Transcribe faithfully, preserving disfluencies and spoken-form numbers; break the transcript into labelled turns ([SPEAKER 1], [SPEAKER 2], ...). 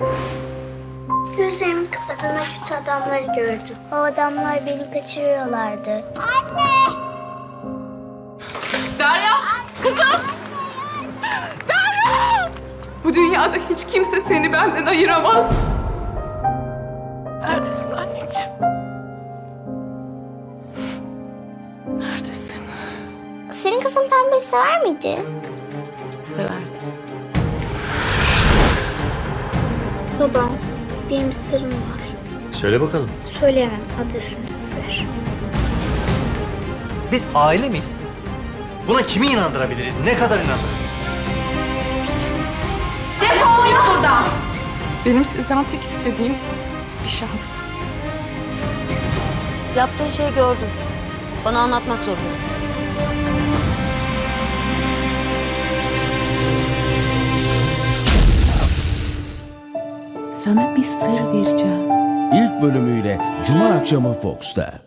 [SPEAKER 1] Gözlerimi kapadım ve kötü adamları gördüm. O adamlar beni kaçırıyorlardı. Anne!
[SPEAKER 2] Derya! Kızım! Derya! Bu dünyada hiç kimse seni benden ayıramaz. Neredesin anneciğim? Neredesin?
[SPEAKER 1] Senin kızın pembeyi sever miydi?
[SPEAKER 2] Severdi.
[SPEAKER 1] Babam, benim sırrım var.
[SPEAKER 3] Söyle bakalım.
[SPEAKER 1] Söyleyemem, adı üstünde sır.
[SPEAKER 3] Biz aile miyiz? Buna kimi inandırabiliriz? Ne kadar inandırabiliriz?
[SPEAKER 2] Defol git buradan! Benim sizden tek istediğim bir şans.
[SPEAKER 4] Yaptığın şeyi gördüm. Bana anlatmak zorundasın.
[SPEAKER 2] Sana bir sır vereceğim.
[SPEAKER 5] İlk bölümüyle Cuma akşamı Fox'ta.